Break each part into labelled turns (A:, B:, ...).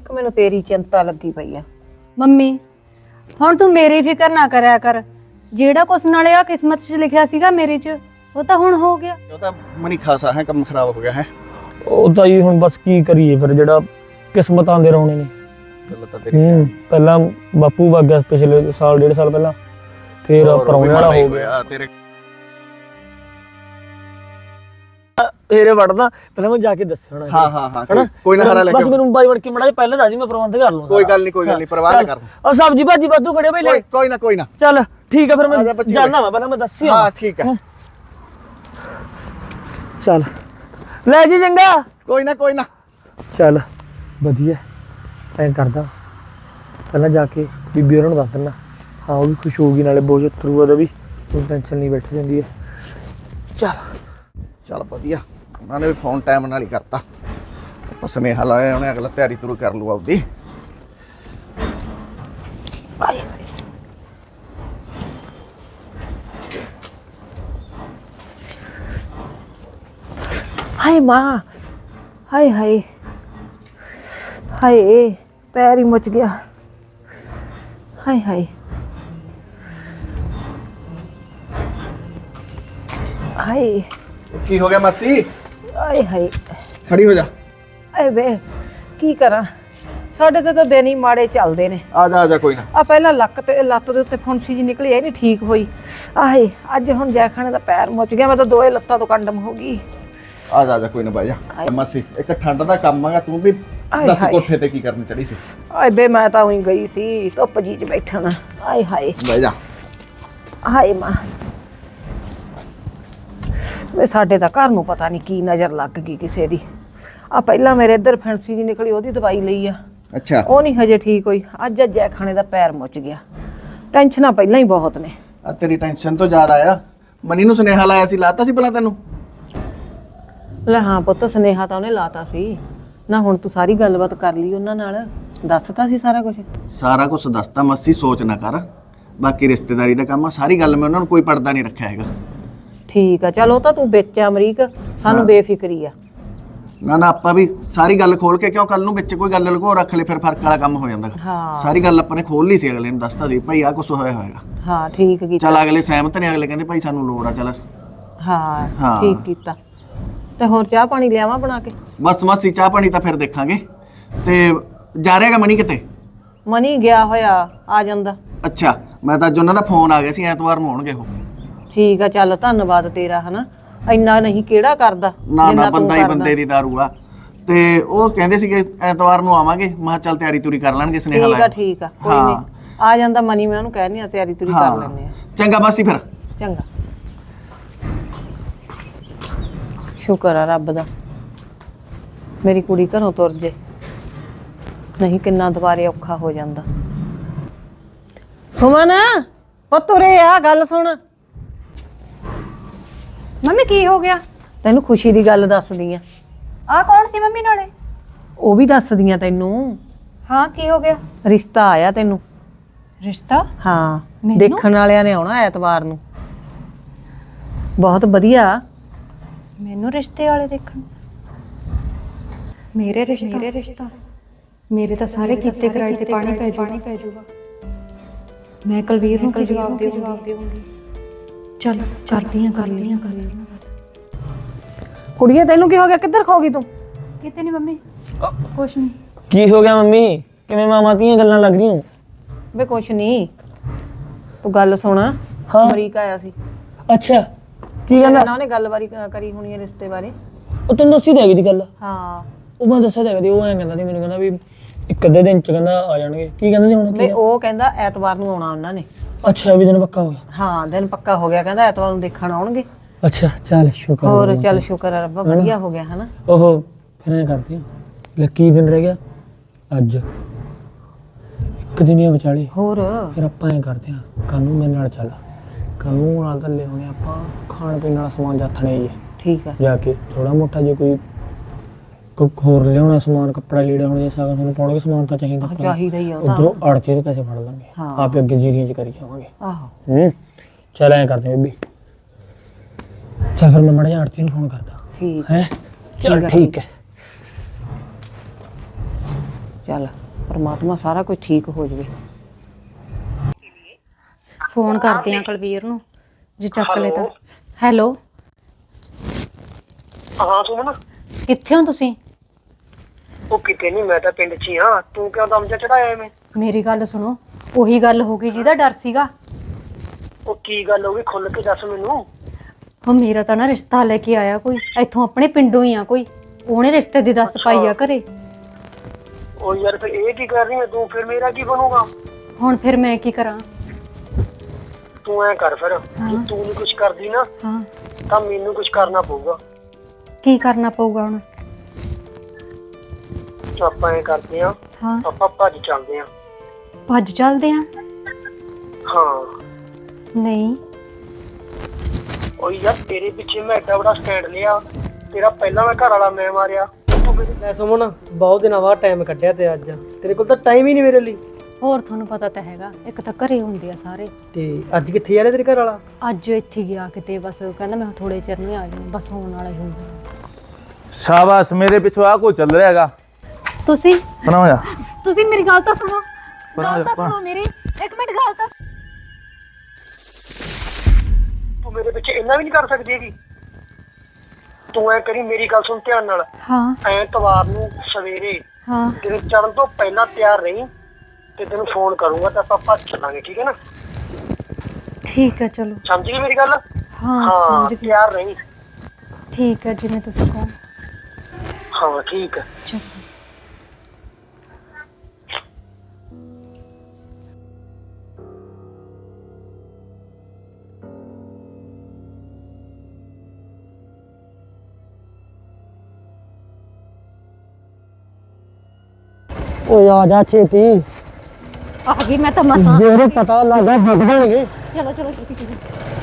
A: ਇੱਕ ਮੈਨੂੰ ਤੇਰੀ ਚਿੰਤਾ ਲੱਗੀ ਪਈ ਆ।
B: ਮੰਮੀ ਹੁਣ ਤੂੰ ਮੇਰੀ ਫਿਕਰ ਨਾ ਕਰਿਆ ਕਰ। ਜਿਹੜਾ ਕੁਛ ਨਾਲੇ ਆ ਕਿਸਮਤ 'ਚ ਲਿਖਿਆ ਸੀਗਾ ਮੇਰੇ 'ਚ ਉਹ ਤਾਂ ਹੁਣ ਹੋ ਗਿਆ।
C: ਉਹ ਤਾਂ ਮਨੀ ਖਾਸਾ ਹੈ, ਕੰਮ ਖਰਾਬ ਹੋ ਗਿਆ ਹੈ।
D: ਉਹ ਤਾਂ ਜੀ ਹੁਣ ਬਸ ਕੀ ਕਰੀਏ ਫਿਰ, ਜਿਹੜਾ ਕਿਸਮਤਾਂ ਦੇ ਰੌਣੇ ਨੇ।
C: ਗੱਲ ਤਾਂ ਤੇਰੀ
D: ਪਹਿਲਾਂ ਬਾਪੂ ਵਗ ਗਿਆ ਪਿਛਲੇ ਸਾਲ 1.5 ਸਾਲ ਪਹਿਲਾਂ, ਫਿਰ ਪਰੌਣੇ ਵਾਲਾ ਹੋ ਗਿਆ।
C: ਤੇਰੇ
D: ਹੀਰੇ ਵੜਦਾ ਪਹਿਲਾਂ ਮੈਂ ਜਾ ਕੇ ਦੱਸਿਆ ਹੋਣਾ।
C: ਹਾਂ ਕੋਈ ਨਾ ਹਰਾ ਲੈ ਕੇ
D: ਬਸ ਮੈਨੂੰ ਬਾਈ ਵੜ ਕੇ ਮੜਾ ਪਹਿਲਾਂ ਦੱਸ ਦੀ, ਮੈਂ ਪ੍ਰਬੰਧ ਕਰ ਲੂੰਗਾ।
C: ਕੋਈ ਗੱਲ ਨਹੀਂ ਪਰਵਾਹ ਨਾ ਕਰ।
D: ਔਰ ਸਬਜੀ ਭਾਜੀ ਵਾਧੂ ਖੜੇ ਬਈ ਲੈ।
C: ਕੋਈ ਨਾ
D: ਚੱਲ ਠੀਕ ਆ ਫਿਰ ਮੈਂ ਜਾਣਾ ਵਾ, ਪਹਿਲਾਂ ਮੈਂ ਦੱਸਿਆ।
C: ਹਾਂ ਠੀਕ ਹੈ
D: ਚੱਲ ਲੈ ਜੀ ਚੰਗਾ।
C: ਕੋਈ ਨਾ
D: ਚੱਲ ਵਧੀਆ ਐਂ ਕਰਦਾ, ਪਹਿਲਾਂ ਜਾ ਕੇ ਬੀਬੀ ਉਹਨਾਂ ਨੂੰ ਦੱਸ ਦਿੰਦਾ। ਹਾਂ ਉਹ ਵੀ ਖੁਸ਼ ਹੋਊਗੀ, ਨਾਲੇ ਬੋਝ ਉਤਰੂਗਾ ਉਹਦਾ ਵੀ, ਕੋਈ ਟੈਨਸ਼ਨ ਨਹੀਂ ਬੈਠ ਜਾਂਦੀ ਹੈ।
C: ਚੱਲ ਵਧੀਆ, ਉਹਨਾਂ ਨੇ ਵੀ ਫੋਨ ਟਾਈਮ ਨਾਲ ਹੀ ਕਰਤਾ। ਸੁਨੇਹਾ ਲਾਇਆ ਉਹਨੇ, ਅਗਲਾ ਤਿਆਰੀ ਤੁਰੂ ਕਰ ਲੂ ਆਪਦੀ।
A: ਹਾਏ ਮਾਂ, ਹਾਏ ਹਾਏ ਹਾਏ, ਪੈਰ ਹੀ ਮੁੱਚ ਗਿਆ। ਹਾਏ ਹਾਏ ਹਾਏ
C: ਕੀ ਹੋ ਗਿਆ ਮਾਸੀ?
A: ਹਾਏ ਹਾਏ
C: ਖੜੀ ਹੋ ਜਾ।
A: ਏ ਵੇ ਕੀ ਕਰਾਂ, ਸਾਡੇ ਤੇ ਤਾਂ ਦਿਨ ਹੀ ਮਾੜੇ ਚੱਲਦੇ ਨੇ।
C: ਆ ਜਾ ਕੋਈ ਨਾ।
A: ਆ ਪਹਿਲਾਂ ਲੱਤ ਦੇ ਉੱਤੇ ਫੁੰਸੀ ਜੀ ਨਿਕਲੀ, ਇਹ ਨਹੀਂ ਠੀਕ ਹੋਈ। ਆਹੇ ਅੱਜ ਹੁਣ ਜੈਖਾਨੇ ਦਾ ਪੈਰ ਮੁੱਚ ਗਿਆ, ਮੈਂ ਤਾਂ ਦੋਏ ਲੱਤਾਂ ਤੋਂ ਕੰਡਮ ਹੋ ਗਈ।
C: ਆ ਜਾ ਕੋਈ ਨਾ ਬਾਈ ਜਾ। ਮਾਸੀ ਇੱਕ ਠੰਡ ਦਾ ਕੰਮ ਆਗਾ, ਤੂੰ ਵੀ ਦੱਸ ਕੋਠੇ ਤੇ ਕੀ ਕਰਨ ਚੜੀ ਸੀ?
A: ਆਏ ਬੇ ਮੈਂ ਤਾਂ ਉਹੀ ਗਈ ਸੀ ਧੁੱਪ ਜੀ 'ਚ ਬੈਠਣਾ। ਆਏ ਹਾਏ
C: ਬਹਿ ਜਾ।
A: ਹਾਏ ਮਾਂ, ਵੇ ਸਾਡੇ ਤਾਂ ਘਰ ਨੂੰ ਪਤਾ ਨਹੀਂ ਕੀ ਨਜ਼ਰ ਲੱਗ ਗਈ ਕਿਸੇ ਦੀ। ਆ ਪਹਿਲਾਂ ਮੇਰੇ ਇੱਧਰ ਫੈਂਸੀ ਜੀ ਨਿਕਲੀ, ਉਹਦੀ ਦਵਾਈ ਲਈ ਆ।
C: ਅੱਛਾ
A: ਉਹ ਨਹੀਂ ਹਜੇ ਠੀਕ ਹੋਈ। ਅੱਜ ਜੈਖਾਨੇ ਦਾ ਪੈਰ ਮੁੱਚ ਗਿਆ। ਟੈਨਸ਼ਨਾਂ ਪਹਿਲਾਂ ਹੀ ਬਹੁਤ ਨੇ।
C: ਆ ਤੇਰੀ ਟੈਨਸ਼ਨ ਤੋਂ ਜ਼ਿਆਦਾ ਆ। ਮਨੀ ਨੂੰ ਸੁਨੇਹਾ ਲਾਇਆ ਸੀ, ਲਾਤਾ ਸੀ ਭਲਾ ਤੈਨੂੰ?
A: ਲੈ ਹਾਂ ਪੁੱਤ, ਸੁਨੇਹਾ ਤਾਂ ਉਹਨੇ ਲਾਤਾ ਸੀ ਨਾ। ਹੁਣ ਤੂੰ ਸਾਰੀ ਗੱਲਬਾਤ ਕਰ ਲਈ ਉਹਨਾਂ ਨਾਲ, ਦੱਸਤਾ ਸੀ ਸਾਰਾ ਕੁਝ?
C: ਸਾਰਾ ਕੁਝ ਦੱਸਤਾ ਮਾਸੀ, ਸੋਚ ਨਾ ਕਰ। ਬਾਕੀ ਰਿਸ਼ਤੇਦਾਰੀ ਦਾ ਕੰਮ ਆ, ਸਾਰੀ ਗੱਲ ਮੈਂ ਉਹਨਾਂ ਨੂੰ ਕੋਈ ਪਰਦਾ ਨਹੀਂ ਰੱਖਿਆ ਹੈਗਾ।
A: ਠੀਕ ਆ, ਚਲ ਉਹ ਤਾਂ ਤੂੰ ਵਿੱਚ ਆ ਅਮਰੀਕ, ਸਾਨੂੰ ਬੇਫਿਕਰੀ ਆ।
C: ਨਾ ਆਪਾਂ ਵੀ ਸਾਰੀ ਗੱਲ ਖੋਲ ਕੇ, ਕਿਉਂ ਕੱਲ ਨੂੰ ਵਿੱਚ ਕੋਈ ਗੱਲ ਲੁਕੋ ਰੱਖ ਲੈ, ਫਿਰ ਫਰਕ ਵਾਲਾ ਕੰਮ ਹੋ ਜਾਂਦਾ।
A: ਹਾਂ
C: ਸਾਰੀ ਗੱਲ ਆਪਾਂ ਨੇ ਖੋਲ ਲਈ ਸੀ, ਅਗਲੇ ਨੂੰ ਦੱਸਤਾ ਸੀ ਭਾਈ ਆ ਕੁਝ ਹੋਇਆ ਹੋਏਗਾ।
A: ਹਾਂ ਠੀਕ ਕੀਤਾ।
C: ਚੱਲ ਅਗਲੇ ਸਹਿਮਤ ਨੇ, ਅਗਲੇ ਕਹਿੰਦੇ ਭਾਈ ਸਾਨੂੰ ਲੋੜ ਆ। ਚੱਲ
A: ਹਾਂ ਠੀਕ ਕੀਤਾ। ਤੇ ਹੋਰ ਚਾਹ ਪਾਣੀ ਲਿਆਵਾਂ ਬਣਾ ਕੇ?
C: ਬਸ ਮਾਸੀ ਚਾਹ ਪਾਣੀ ਤਾਂ ਫਿਰ ਦੇਖਾਂਗੇ। ਤੇ ਜਾ ਰਿਹਾਗਾ ਮਣੀ ਕਿਤੇ?
A: ਮਨੀ ਗਿਆ ਹੋਇਆ, ਆ ਜਾਂਦਾ।
C: ਅੱਛਾ, ਮੈਂ ਤਾਂ ਅੱਜ ਉਹਨਾਂ ਦਾ ਫੋਨ ਆ ਗਿਆ ਸੀ, ਐਤਵਾਰ ਨੂੰ ਆਉਣਗੇ ਉਹ।
A: ਠੀਕ ਆ, ਚੱਲ ਧੰਨਵਾਦ ਤੇਰਾ। ਹਨਾ ਇੰਨਾ ਨਹੀਂ ਕਿਹੜਾ ਕਰਦਾ
C: ਨਾ ਬੰਦਾ ਹੀ ਬੰਦੇ ਦੀ ਦਾਰੂ ਆ। ਤੇ ਉਹ ਕਹਿੰਦੇ ਸੀਗੇ ਐਤਵਾਰ ਨੂੰ ਆਵਾਂਗੇ। ਮੈਂ ਕਿਹਾ ਚੱਲ ਤਿਆਰੀ ਤੁਰੀ ਕਰ ਲੈਣਗੇ, ਸੁਨੇਹਾ ਲਾਇਆ।
A: ਠੀਕ ਆ ਕੋਈ ਨਹੀਂ, ਆ ਜਾਂਦਾ ਮਨੀ, ਮੈਂ ਉਹਨੂੰ ਕਹਿਨੀ ਆ ਤਿਆਰੀ ਤੁਰੀ ਕਰ ਲੈਣੇ ਆ।
C: ਚੰਗਾ ਮਾਸੀ ਫਿਰ।
A: ਚੰਗਾ, ਸ਼ੁਕਰ ਆ ਰੱਬ ਦਾ ਮੇਰੀ ਕੁੜੀ ਘਰੋਂ ਤੁਰ ਜੇ, ਨਹੀਂ ਕਿੰਨਾ ਦੁਬਾਰੇ ਔਖਾ ਹੋ ਜਾਂਦਾ। ਸੁਮਨ ਪੁੱਤ ਉਰੇ ਆ, ਗੱਲ ਸੁਣ।
B: ਮੰਮੀ ਕੀ ਹੋ ਗਿਆ?
A: ਤੈਨੂੰ ਖੁਸ਼ੀ ਦੀ ਗੱਲ ਦੱਸਦੀ ਆ।
B: ਆ ਕੌਣ ਸੀ ਮੰਮੀ ਨਾਲੇ?
A: ਉਹ ਵੀ ਦੱਸਦੀ ਆ ਤੈਨੂੰ।
B: ਹਾਂ ਕੀ ਹੋ ਗਿਆ?
A: ਰਿਸ਼ਤਾ ਆਇਆ ਤੈਨੂੰ।
B: ਰਿਸ਼ਤਾ?
A: ਹਾਂ, ਦੇਖਣ ਵਾਲਿਆਂ ਨੇ ਆਉਣਾ ਐਤਵਾਰ ਨੂੰ। ਬਹੁਤ ਵਧੀਆ।
B: ਮੈਨੂੰ ਰਿਸ਼ਤੇ ਵਾਲੇ ਦੇਖਣ? ਮੇਰੇ ਰਿਸ਼ਤਾ ਮੇਰੇ ਤਾਂ ਸਾਰੇ ਕੀਤੇ ਕਰਾਏ ਤੇ ਪਾਣੀ ਪੈ ਜਾਊਗਾ। ਮੈਂ ਕੁਲਵੀਰ ਨੂੰ ਕੀ ਜਵਾਬ ਦੇਵਾਂਗੀ? ਚਲ ਕਰਦੀ ਆ।
A: ਕੁੜੀਏ ਤੈਨੂੰ ਕੀ ਹੋ ਗਿਆ, ਕਿੱਧਰ ਖੋ ਗਈ ਤੂੰ?
B: ਕਿਤੇ ਨਹੀਂ ਮੰਮੀ, ਕੁਛ ਨਹੀਂ।
D: ਕੀ ਹੋ ਗਿਆ ਮੰਮੀ, ਕਿਵੇਂ ਮਾਮਾ ਦੀਆਂ ਗੱਲਾਂ ਲੱਗ ਰਹੀਆਂ?
A: ਵੇ ਕੁਛ ਨਹੀਂ, ਤੂੰ ਗੱਲ ਸੁਣ। ਅਮਰੀਕਾ ਆਇਆ ਸੀ।
D: ਅੱਛਾ, ਕੀ ਕਹਿੰਦਾ?
A: ਨਾ ਉਹਨੇ ਗੱਲਬਾਰੀ ਕਰੀ ਹੋਣੀ ਹੈ ਰਿਸ਼ਤੇ ਬਾਰੇ।
D: ਉਹ ਤੈਨੂੰ ਦੱਸੀ ਦੇਗੀ ਦੀ ਗੱਲ?
A: ਹਾਂ
D: ਉਹ ਮੈਂ ਦੱਸਿਆ ਦੇਗੀ। ਉਹ ਐਂ ਕਹਿੰਦਾ ਸੀ, ਮੈਨੂੰ ਕਹਿੰਦਾ ਵੀ ਇੱਕ ਅੱਧੇ ਦਿਨ ਚ ਕਹਿੰਦਾ ਆ ਜਾਣਗੇ। ਕੀ ਕਹਿੰਦੇ ਸੀ ਹੁਣ?
A: ਵੇ ਉਹ ਕਹਿੰਦਾ ਐਤਵਾਰ ਨੂੰ ਆਉਣਾ ਉਹਨਾਂ ਨੇ।
D: ਅੱਛਾ, ਵੀ ਦਿਨ ਪੱਕਾ ਹੋ ਗਿਆ?
A: ਹਾਂ ਦਿਨ ਪੱਕਾ ਹੋ ਗਿਆ, ਕਹਿੰਦਾ ਐਤਵਾਰ ਨੂੰ ਦੇਖਣ ਆਉਣਗੇ।
D: ਅੱਛਾ ਚੱਲ ਸ਼ੁਕਰ।
A: ਹੋਰ ਚੱਲ ਸ਼ੁਕਰ ਆ ਰੱਬਾ, ਵਧੀਆ ਹੋ ਗਿਆ ਹਨਾ।
D: ਉਹ ਫਿਰ ਐਂ ਕਰਦੇ ਆ, ਲੱਕੀ ਦਿਨ ਰਹਿ ਗਿਆ ਅੱਜ, ਇੱਕ ਦਿਨ ਹੀ ਵਿਚਾਲੇ।
A: ਹੋਰ
D: ਫਿਰ ਆਪਾਂ ਐਂ ਕਰਦੇ ਆ, ਕੱਲ ਨੂੰ ਮੇਰੇ ਨਾਲ ਚੱਲ। ਕੱਲ ਨੂੰ ਨਾਲ ਗੱਲੇ ਹੋਣੇ ਆਪਾਂ, ਖਾਣ ਪੀਣ ਵਾਲਾ ਸਮਾਨ ਜਾਥਣੇ ਹੀ ਹੈ।
A: ਠੀਕ ਆ,
D: ਜਾ ਕੇ ਥੋੜਾ ਮੋਟਾ ਜੇ ਕੋਈ ਹੋਰ ਲਿਆਉਣਾ ਸਮਾਨ, ਕੱਪੜਾ ਲੀੜਾ ਹੁਣ ਜੇ ਸਾਗਾ ਤੁਹਾਨੂੰ ਪਾਉਣਗੇ ਸਮਾਨ ਤਾਂ ਚਾਹੀਦਾ
A: ਹੀ ਆ।
D: ਉਧਰੋਂ ਅੜਚੇ ਦੇ ਪੈਸੇ ਫੜ ਲਾਂਗੇ, ਆਪੇ ਅੱਗੇ ਜੀਰੀਆਂ ਚ ਕਰੀ ਜਾਵਾਂਗੇ।
A: ਆਹੋ
D: ਚੱਲ ਐਂ ਕਰਦੇ ਬੀਬੀ। ਚੱਲ ਫਿਰ ਮੈਂ ਮੜਾ ਜਾ ਆੜਤੀ ਨੂੰ ਫੋਨ ਕਰਦਾ।
A: ਠੀਕ
D: ਹੈ, ਚੱਲ ਠੀਕ ਹੈ।
A: ਚੱਲ ਪਰਮਾਤਮਾ ਸਾਰਾ ਕੁਝ ਠੀਕ ਹੋ ਜਾਵੇ।
B: ਫੋਨ ਕਰਦੇ ਆ ਕੁਲਵੀਰ ਨੂੰ, ਜੇ ਚੱਕ ਲੈ ਤਾਂ। ਹੈਲੋ,
E: ਹਾਂ ਸੁਮਨ,
B: ਕਿੱਥੇ ਹੋ ਤੁਸੀਂ?
E: ਉਹ ਕਿਤੇ ਨਹੀਂ, ਮੈਂ ਤਾਂ ਪਿੰਡ 'ਚ ਹੀ ਹਾਂ। ਤੂੰ ਕਿਉਂ ਦਮ ਜਿਹਾ ਚੜਾਇਆ ਐਵੇਂ?
B: ਮੇਰੀ ਗੱਲ ਸੁਣੋ, ਉਹੀ ਗੱਲ ਹੋ ਗਈ ਜਿਹਦਾ ਡਰ ਸੀਗਾ।
E: ਉਹ ਕੀ ਗੱਲ ਹੋ ਗਈ, ਖੁੱਲ ਕੇ ਦੱਸ ਮੈਨੂੰ।
B: ਉਹ ਮੇਰਾ ਤਾਂ ਨਾ ਰਿਸ਼ਤਾ ਲੈ ਕੇ ਆਇਆ ਕੋਈ, ਇੱਥੋਂ ਆਪਣੇ ਪਿੰਡੋਂ ਹੀ ਆ ਕੋਈ। ਉਹਨੇ ਰਿਸ਼ਤੇ ਦੀ ਦੱਸ ਪਾਈ ਆ ਘਰੇ।
E: ਉਹ ਯਾਰ ਫਿਰ ਇਹ ਕੀ ਕਰ ਰਹੀ ਹੈ ਤੂੰ? ਫਿਰ ਮੇਰਾ ਕੀ ਬਣੂਗਾ?
B: ਹੁਣ ਫਿਰ ਮੈਂ ਕੀ ਕਰਾਂ?
E: ਤੂੰ ਐ ਕਰ ਫਿਰ, ਜੇ ਤੂੰ ਨਹੀਂ ਕੁਝ ਕਰਦੀ ਨਾ
B: ਹਾਂ,
E: ਤਾਂ ਮੈਨੂੰ ਕੁਝ ਕਰਨਾ ਪਊਗਾ।
B: ਕੀ ਕਰਨਾ ਪਊਗਾ ਹੁਣ?
E: ਆਪਾਂ ਐ ਕਰਦੇ ਆ,
B: ਹਾਂ,
E: ਆਪਾਂ ਭੱਜ ਚੱਲਦੇ ਆ।
B: ਭੱਜ ਚੱਲਦੇ ਆ?
E: ਹਾਂ।
B: ਨਹੀਂ,
E: ਉਹ ਯਾਰ ਤੇਰੇ ਪਿੱਛੇ ਮੈਂ ਐਡਾ ਵੱਡਾ ਸਟੈਂਡ ਲਿਆ, ਤੇਰਾ ਪਹਿਲਾਂ ਮੈਂ ਘਰ ਵਾਲਾ ਮੈਂ ਮਾਰਿਆ। ਤੂੰ ਮੇਰੇ
F: ਲੈ ਸੁਮਨ, ਬਹੁਤ ਦਿਨਾਂ ਬਾਅਦ ਟਾਈਮ ਕੱਢਿਆ ਤੇ ਅੱਜ ਤੇਰੇ ਕੋਲ ਤਾਂ ਟਾਈਮ ਹੀ ਨਹੀਂ ਮੇਰੇ ਲਈ।
B: ਹੋਰ ਤੁਹਾਨੂੰ ਪਤਾ ਤਾਂ ਹੈਗਾ, ਇੱਕ ਤਾਂ ਘਰੇ ਹੁੰਦੇ ਆ ਸਾਰੇ।
F: ਤੇ ਅੱਜ ਕਿੱਥੇ ਜਾ ਰਿਹਾ ਤੇਰੇ ਘਰ ਵਾਲਾ?
B: ਅੱਜ ਇੱਥੇ ਗਿਆ ਕਿਤੇ, ਬਸ ਕਹਿੰਦਾ ਮੈਂ ਥੋੜੇ ਚਿਰ ਨੂੰ ਆ ਜਾਊਂ, ਬਸ ਹੋਣ ਵਾਲਾ ਹੀ ਹੁੰਦਾ।
G: ਸ਼ਾਬਾਸ਼, ਮੇਰੇ ਪਿੱਛੋਂ ਆ ਕੋਈ ਚੱਲ ਰਿਹਾ ਹੈਗਾ।
B: ਤੁਸੀਂ
G: ਬਣਾ ਜਾ,
B: ਤੁਸੀਂ ਮੇਰੀ ਗੱਲ ਤਾਂ ਸੁਣੋ,
G: ਬਣਾ ਜਾ।
B: ਮੇਰੀ ਇੱਕ ਮਿੰਟ ਗੱਲ ਤਾਂ।
E: ਤੂੰ ਮੇਰੇ ਪਿੱਛੇ ਇੰਨਾ ਵੀ ਨਹੀਂ ਕਰ ਸਕਦੀ ਹੈਗੀ। ਤੂੰ ਐ ਕਰੀ, ਮੇਰੀ ਗੱਲ ਸੁਣ ਧਿਆਨ ਨਾਲ।
B: ਹਾਂ
E: ਐਤਵਾਰ ਨੂੰ ਸਵੇਰੇ
B: ਹਾਂ,
E: ਦਿਨ ਚੜ੍ਹਨ ਤੋਂ ਪਹਿਲਾਂ ਤਿਆਰ ਰਹੀਂ ਤੇ ਤੈਨੂੰ ਫੋਨ ਕਰੂੰਗਾ ਤਾਂ ਆਪਾਂ ਭੱਜ ਚੱਲਾਂਗੇ, ਠੀਕ ਹੈ ਨਾ?
B: ਠੀਕ ਹੈ, ਚਲੋ।
E: ਸਮਝ ਗਈ ਮੇਰੀ ਗੱਲ?
B: ਹਾਂ
E: ਹਾਂ,
B: ਸਮਝ ਗਈ।
E: ਤਿਆਰ ਰਹੀਂ।
B: ਠੀਕ ਹੈ, ਜਿਵੇਂ ਤੁਸੀਂ ਕਹੋ।
E: ਹਾਂ ਠੀਕ ਹੈ।
B: ਚਲੋ।
F: ਓਏ ਆ ਜਾ ਛੇਤੀ,
B: ਆ ਗਈ ਮੈਂ ਤਾਂ ਮਸਾਂ।
F: ਜੇ ਉਹਨੂੰ ਪਤਾ ਲੱਗਾ ਫਟ ਜਾਣਗੇ।
B: ਚਲੋ ਚਲੋ ਛੇਤੀ ਛੇਤੀ।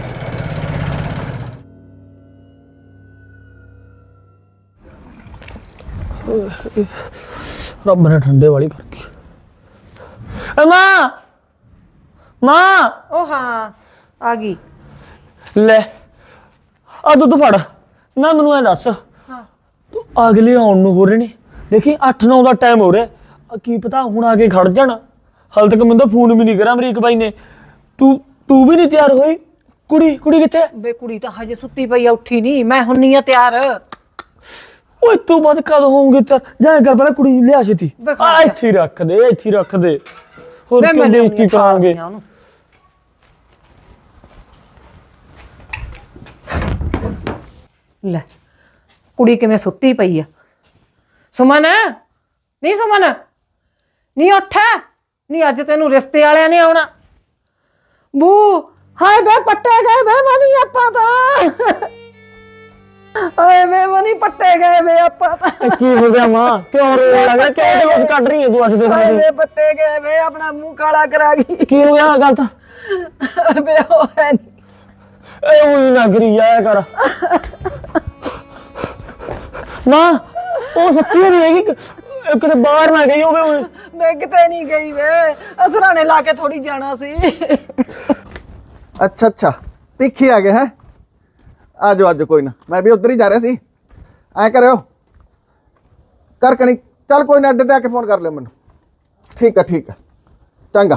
D: ਰੱਬ ਨੇ ਠੰਡੇ ਵਾਲੀ ਕਰਕੇ। ਏ ਮਾਂ, ਮਾਂ
A: ਉਹ ਹਾਂ ਆ ਗਈ।
D: ਲੈ ਆ ਦੁੱਧ ਫੜ ਨਾ, ਮੈਨੂੰ ਐ ਦੱਸ ਤੂੰ ਅਗਲੇ ਆਉਣ ਨੂੰ ਹੋ ਰਹੇ ਨੇ, ਦੇਖੀ 8-9 ਦਾ ਟਾਈਮ ਹੋ ਰਿਹਾ, ਕੀ ਪਤਾ ਹੁਣ ਆ ਕੇ ਖੜ ਜਾਣ। ਹਾਲ ਤੱਕ ਮੈਨੂੰ ਤਾਂ ਫੋਨ ਵੀ ਨਹੀਂ ਕਰਾਂ ਅਮਰੀਕ ਬਾਈ ਨੇ। ਤੂੰ ਵੀ ਨਹੀਂ ਤਿਆਰ ਹੋਈ? ਕੁੜੀ ਕਿੱਥੇ?
A: ਬੇ ਕੁੜੀ ਤਾਂ ਹਜੇ ਸੁੱਤੀ ਪਈ ਆ, ਉੱਠੀ ਨਹੀਂ। ਮੈਂ ਹੁੰਨੀ ਆ ਤਿਆਰ।
D: ਓਏ ਤੂੰ ਬਾਅਦ ਕਦੋਂ ਹੋਊਂਗੀ ਤਿਆਰ? ਜਾ ਕਰ ਪਹਿਲਾਂ ਕੁੜੀ ਨੂੰ ਲਿਆ ਛੇਤੀ।
A: ਬੇ ਖੜ
D: ਆ
A: ਜਾ।
D: ਇੱਥੇ ਹੀ ਰੱਖ ਦੇ, ਇੱਥੇ ਹੀ ਰੱਖ ਦੇ। ਹੋਰ
A: ਮੈਂ
D: ਕਿਉਂ ਬੇਇੱਜ਼ਤੀ ਕਰਾਂਗੇ?
A: ਉਹਨੂੰ ਲੈ ਕੁੜੀ ਕਿਵੇਂ ਸੁੱਤੀ ਪਈ ਆ। ਸੁਮਨ, ਨਹੀਂ ਸੁਮਨ, ਨਹੀਂ ਉੱਠ ਨਹੀਂ, ਅੱਜ ਤੈਨੂੰ ਰਿਸ਼ਤੇ ਵਾਲਿਆਂ ਨੇ ਆਉਣਾ। ਬੂ ਹਾਏ ਬੇ ਪੱਟੇ ਗਏ ਬੇ ਮਨੀ ਆਪਾਂ ਤਾਂ। ਹਾਏ ਬੇ ਮਨੀ ਪੱਟੇ ਗਏ ਬੇ ਆਪਾਂ ਤਾਂ।
D: ਕੀ ਹੋ ਗਿਆ ਮਾਂ, ਕਿਉਂ ਰੋਣ ਲੱਗਾ? ਕਿਉਂ ਤੇ ਕੁਛ ਕੱਢ ਰਹੀ ਹੈ ਤੂੰ ਅੱਜ ਦੇ
A: ਹਾਏ
D: ਦਿਨ?
A: ਬੇ ਪੱਟੇ ਗਏ ਬੇ, ਆਪਣਾ ਮੂੰਹ ਕਾਲਾ ਕਰਾ ਗਈ
D: ਕੀ ਹੋ ਗਿਆ ਗੱਲ ਤਾਂ?
A: ਬੇ ਉਹ ਹੈ ਨੀ।
D: ਏ ਉਹੀ ਨਾ ਕਰੀ ਜਾਇਆ ਕਰ ਮਾਂ, ਉਹ ਸੱਚੀ ਨਹੀਂ ਹੈਗੀ, ਕਿਤੇ ਬਾਹਰ ਨਾ ਗਈ ਹੋਵੇ ਉਹ।
A: ਮੈਂ ਕਿਤੇ ਨਹੀਂ ਗਈ ਵੇ, ਅਸਰਾਣੇ ਲਾ ਕੇ ਥੋੜੀ ਜਾਣਾ ਸੀ।
C: ਅੱਛਾ ਪਿੱਖੀ ਆ ਗਏ ਹੈ। ਆ ਜਾਓ ਅੱਜ, ਕੋਈ ਨਾ, ਮੈਂ ਵੀ ਉਧਰ ਹੀ ਜਾ ਰਿਹਾ ਸੀ। ਐ ਕਰਿਓ ਕਰ ਕਣੀ, ਚੱਲ ਕੋਈ ਨਾ, ਅੱਡੇ ਤੇ ਆ ਕੇ ਫੋਨ ਕਰ ਲਿਓ ਮੈਨੂੰ। ਠੀਕ ਆ ਚੰਗਾ।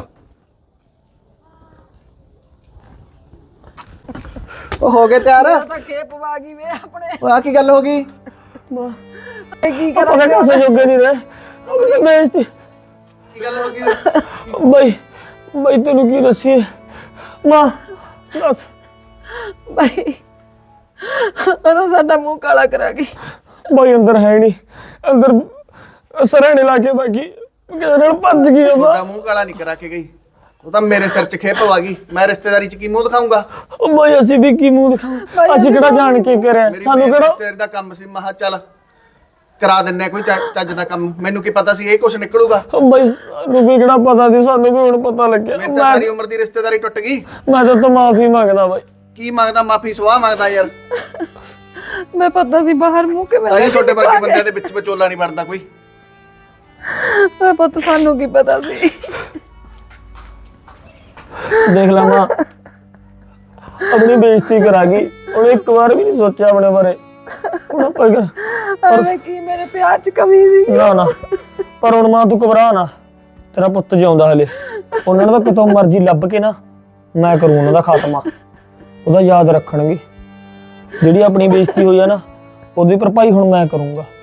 C: ਉਹ ਹੋ ਗਏ ਤਿਆਰ?
A: ਤਾਂ ਖੇਪ ਵਾ ਗਈ ਵੇ ਆਪਣੇ।
C: ਉਹ ਆ ਕੀ ਗੱਲ ਹੋ ਗਈ?
A: ਕੀ
D: ਆਪਾਂ ਕਹਿੰਦੇ ਉਸੇ ਜੋਗੇ ਨਹੀਂ ਰਹੇ, ਆਪਣੀ ਬੇਇੱਜ਼ਤੀ।
C: ਕੀ ਗੱਲ ਹੋ ਗਈ?
D: ਬਾਈ ਤੈਨੂੰ ਕੀ ਦੱਸੀਏ ਮਾਂ, ਦੱਸ।
A: ਬਾਈ ਉਹਦਾ ਸਾਡਾ ਮੂੰਹ ਕਾਲਾ ਕਰਾ ਗਈ।
D: ਬਾਈ ਅੰਦਰ ਹੈ ਨਹੀਂ, ਅੰਦਰ ਸਰਹਣੇ ਲਾ ਕੇ ਬਾਕੀ ਕਿਸੇ ਨਾਲ ਭੱਜ ਗਈ ਉਹ।
C: ਤੁਹਾਡਾ ਮੂੰਹ ਕਾਲਾ ਨਹੀਂ ਕਰਾ ਕੇ ਗਈ, ਉਹ ਤਾਂ ਮੇਰੇ ਸਿਰ 'ਚ ਖੇਪ ਆ ਗਈ। ਮੈਂ ਰਿਸ਼ਤੇਦਾਰੀ 'ਚ ਕੀ ਮੂੰਹ ਦਿਖਾਊਂਗਾ?
D: ਉਹ ਬਾਈ ਅਸੀਂ ਵੀ ਕੀ ਮੂੰਹ ਦਿਖਾਵਾਂ? ਅਸੀਂ ਕਿਹੜਾ ਜਾਣ ਕੇ ਕਰਿਆ? ਸਾਨੂੰ ਕਿਹੜਾ
C: ਰਿਸ਼ਤੇਦਾਰੀ ਦਾ ਕੰਮ ਸੀ। ਮਹਾ ਚੱਲ ਕਰਾ ਦਿੰਨੇ ਕੋਈ ਚੱਜ ਦਾ ਕੰਮ। ਮੈਨੂੰ ਕੀ ਪਤਾ ਸੀ ਇਹ ਕੁਛ ਨਿਕਲੂਗਾ?
D: ਉਹ ਬਾਈ ਸਾਨੂੰ ਵੀ ਕਿਹੜਾ ਪਤਾ ਸੀ, ਸਾਨੂੰ ਵੀ ਹੁਣ ਪਤਾ ਲੱਗਿਆ।
C: ਮੇਰੀ ਤਾਂ ਸਾਰੀ ਉਮਰ ਦੀ ਰਿਸ਼ਤੇਦਾਰੀ ਟੁੱਟ ਗਈ।
D: ਮੈਂ ਤਾਂ ਮਾਫੀ ਮੰਗਦਾ ਬਾਈ।
C: ਕੀ ਮੰਗਦਾ? ਮਾਫੀ ਸਵਾਹ ਮੰਗਦਾ ਯਾਰ।
A: ਮੈਂ ਪਤਾ ਸੀ ਬਾਹਰ ਮੂੰਹ ਕਿਵੇਂ
C: ਤਾਂ ਹੀ ਛੋਟੇ ਵਰਗੇ ਬੰਦਿਆਂ ਦੇ ਵਿੱਚ ਵਿਚੋਲਾ ਨਹੀਂ ਬਣਦਾ ਕੋਈ।
A: ਮੈਂ ਪਤਾ, ਸਾਨੂੰ ਕੀ ਪਤਾ ਸੀ।
D: ਦੇਖ ਲਾ ਮਾਂ, ਆਪਣੀ ਬੇਇੱਜ਼ਤੀ ਕਰਾ ਗਈ। ਉਹਨੇ ਇੱਕ ਵਾਰ ਵੀ ਨਹੀਂ ਸੋਚਿਆ ਆਪਣੇ ਬਾਰੇ। ਹੁਣ ਪਰ
A: ਐਵੇਂ ਕੀ ਮੇਰੇ ਪਿਆਰ 'ਚ ਕਮੀ ਸੀ?
D: ਨਾ ਪਰ ਹੁਣ ਮਾਂ ਤੂੰ ਘਬਰਾ ਨਾ, ਤੇਰਾ ਪੁੱਤ ਜਿਉਂਦਾ ਹਲੇ। ਉਹਨਾਂ ਨੂੰ ਤਾਂ ਕਿਤੋਂ ਮਰਜ਼ੀ ਲੱਭ ਕੇ ਨਾ ਮੈਂ ਕਰੂੰ ਉਹਨਾਂ ਦਾ ਖਾਤਮਾ। ਉਹਦਾ ਯਾਦ ਰੱਖਣਗੇ। ਜਿਹੜੀ ਆਪਣੀ ਬੇਇੱਜ਼ਤੀ ਹੋਈ ਆ ਨਾ, ਉਹਦੀ ਭਰਪਾਈ ਹੁਣ ਮੈਂ ਕਰੂੰਗਾ।